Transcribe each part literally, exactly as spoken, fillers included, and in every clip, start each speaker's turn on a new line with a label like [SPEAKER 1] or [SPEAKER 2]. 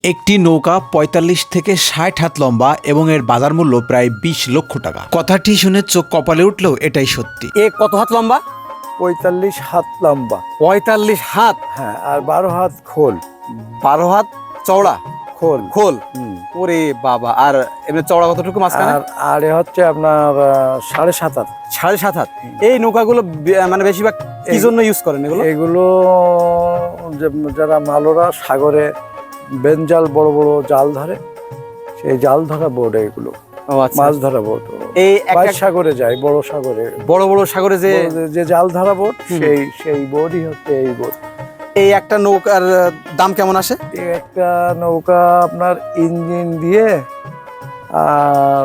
[SPEAKER 1] একটি নৌকা পঁয়তাল্লিশ থেকে ষাট হাত লম্বা এবং এর বাজার মূল্য প্রায় বিশ লক্ষ টাকা। কথাটি শুনে চোখ কপালে উঠলেও এটাই সত্যি।
[SPEAKER 2] এ কত হাত লম্বা?
[SPEAKER 3] পঁয়তাল্লিশ হাত লম্বা।
[SPEAKER 2] পঁয়তাল্লিশ হাত,
[SPEAKER 3] হ্যাঁ, আর বারো হাত খোল।
[SPEAKER 2] বারো হাত চওড়া
[SPEAKER 3] খোল
[SPEAKER 2] খোল।
[SPEAKER 3] হুম।
[SPEAKER 2] ওরে বাবা! আর এমনি চওড়া কতটুকু মাঝখানে?
[SPEAKER 3] আর আর এ হচ্ছে আপনার আহ, সাড়ে সাত হাত।
[SPEAKER 2] সাড়ে সাত হাত। এই নৌকাগুলো বে- মানে বেশিরভাগ কি জন্য ইউজ করেন এগুলো?
[SPEAKER 3] এগুলো যে- যারা মালোরা সাগরে বেঞ্জাল বড় বড় জাল ধরে, সেই জাল ধরা বোর্ড এগুলো,
[SPEAKER 2] ও আচ্ছা।
[SPEAKER 3] মাছ ধরা বোর্ড।
[SPEAKER 2] এই এক
[SPEAKER 3] বাইর
[SPEAKER 2] এক
[SPEAKER 3] সাগরে যায়, বড় সাগরে
[SPEAKER 2] বড় বড় সাগরে যে
[SPEAKER 3] বড় যে- যে জাল ধরা বোর্ড,
[SPEAKER 2] হুম।
[SPEAKER 3] সেই সেই বোর্ডই হচ্ছে এই বোর্ড।
[SPEAKER 2] এই একটা নৌকার আহ, দাম কেমন আসে?
[SPEAKER 3] এই একটা নৌকা আপনার ইঞ্জিন দিয়ে আর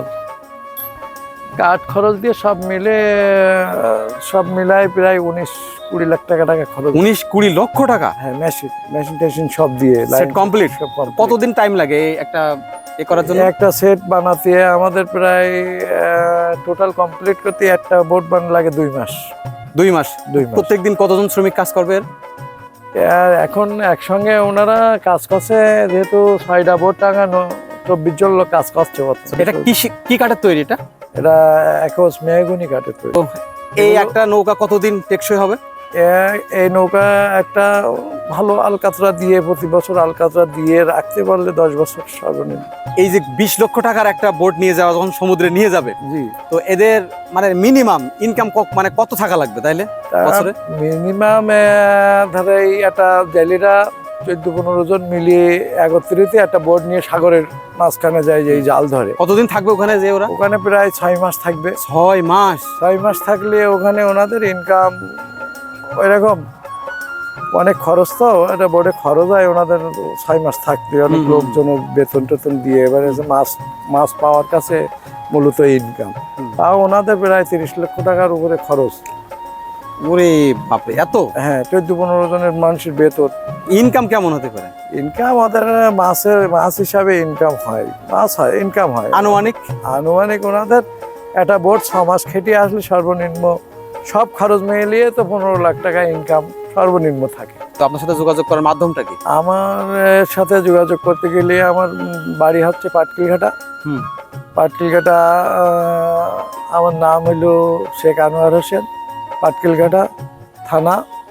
[SPEAKER 3] কাঠ খরচ দিয়ে সব মিলে আহ, সব মিলায় প্রায় উনিশ কুড়ি লাখ টাকা টাকা খরচ।
[SPEAKER 2] উনিশ কুড়ি লক্ষ টাকা
[SPEAKER 3] হ্যাঁ, মেশিন মেশিন টেশিন সব দিয়ে
[SPEAKER 2] সেট কমপ্লিট।
[SPEAKER 3] সব complete।
[SPEAKER 2] কতদিন টাইম লাগে এই একটা এ করার জন্য?
[SPEAKER 3] একটা সেট বানাতে আমাদের প্রায় টোটাল কমপ্লিট করতে একটা বোট বানানো লাগে দুই মাস।
[SPEAKER 2] দুই মাস।
[SPEAKER 3] দুই মাস।
[SPEAKER 2] প্রত্যেকদিন কতজন শ্রমিক কাজ করবে এর?
[SPEAKER 3] আর এখন একসঙ্গে ওনারা কাজ করছে, যেহেতু ছয়টা বোট টাঙানো, চব্বিশ জন লোক কাজ করছে বর্তমানে।
[SPEAKER 2] এটা কি শি- কি কাঠের তৈরি এটা?
[SPEAKER 3] এটা একজ মেহগুনি কাঠের তৈরি।
[SPEAKER 2] ও, এই
[SPEAKER 3] এগুলো-
[SPEAKER 2] একটা নৌকা কতদিন টেকসই হবে?
[SPEAKER 3] এ- এই নৌকা একটা ভালো আলকাতরা দিয়ে প্রতি বছর আলকাতরা দিয়ে রাখতে পারলে দশ বছর সর্বনিম্ন।
[SPEAKER 2] এই যে বিশ লক্ষ টাকার একটা বোট নিয়ে যাওয়া যখন সমুদ্রে নিয়ে যাবে,
[SPEAKER 3] জি,
[SPEAKER 2] তো এদের মানে মিনিমাম ইনকাম মানে কত থাকা লাগবে তাইলে বছরে?
[SPEAKER 3] মিনিমাম ধরে এই একটা জেলেরা চোদ্দ পনেরো জন মিলিয়ে একত্রিত একটা বোট নিয়ে সাগরের মাঝখানে যায়, যে এই জাল ধরে।
[SPEAKER 2] কতদিন থাকবে ওখানে যে ওরা?
[SPEAKER 3] ওখানে প্রায় ছয় মাস থাকবে।
[SPEAKER 2] ছয় মাস।
[SPEAKER 3] ছয় মাস থাকলে ওখানে ওনাদের ইনকাম ওইরকম অনেক খরচ, তো একটা বোর্ডে খরচ হয় ওনাদের ছয় মাস থাকতে, অনেক
[SPEAKER 2] হুম।
[SPEAKER 3] লোকজনের বেতন টেতন দিয়ে। এবারে যে মাছ মাছ পাওয়ার কাছে মূলত ইনকাম,
[SPEAKER 2] হুম।
[SPEAKER 3] তাও ওনাদের প্রায় তিরিশ লক্ষ টাকার উপরে খরচ।
[SPEAKER 2] ওরে বাপরে, এত
[SPEAKER 3] হ্যাঁ, চোদ্দ পনেরো জনের মানুষের বেতন।
[SPEAKER 2] ইনকাম কেমন হতে পারে?
[SPEAKER 3] ইনকাম ওদের মাছের মাছ হিসাবে ইনকাম হয়, মাছ হয় ইনকাম হয়
[SPEAKER 2] আনুমানিক?
[SPEAKER 3] আনুমানিক ওনাদের একটা বোট ছ মাস খেটিয়ে আসলে সর্বনিম্ন সব খরচ মিলিয়ে তো পনেরো লাখ টাকা ইনকাম সর্বনিম্ন থাকে।
[SPEAKER 2] তো আপনার সাথে যোগাযোগ করার মাধ্যমটা কি?
[SPEAKER 3] আমার আহ, সাথে যোগাযোগ করতে গেলে আমার উম, বাড়ি হচ্ছে পাটকিলঘাটা।
[SPEAKER 2] হুম।
[SPEAKER 3] পাটকিলঘাটা, আহ, আমার নাম হলো শেখ আনোয়ার হোসেন, পাটকিলঘাটা থানা,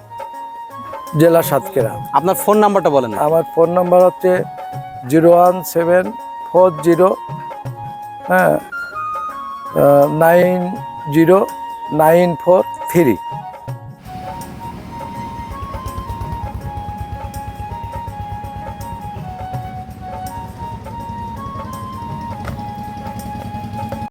[SPEAKER 3] জেলা সাতক্ষীরা।
[SPEAKER 2] আপনার ফোন নাম্বারটা বলেন।
[SPEAKER 3] আমার ফোন নাম্বার হচ্ছে zero one seven four zero হ্যাঁ nine zero nine four three.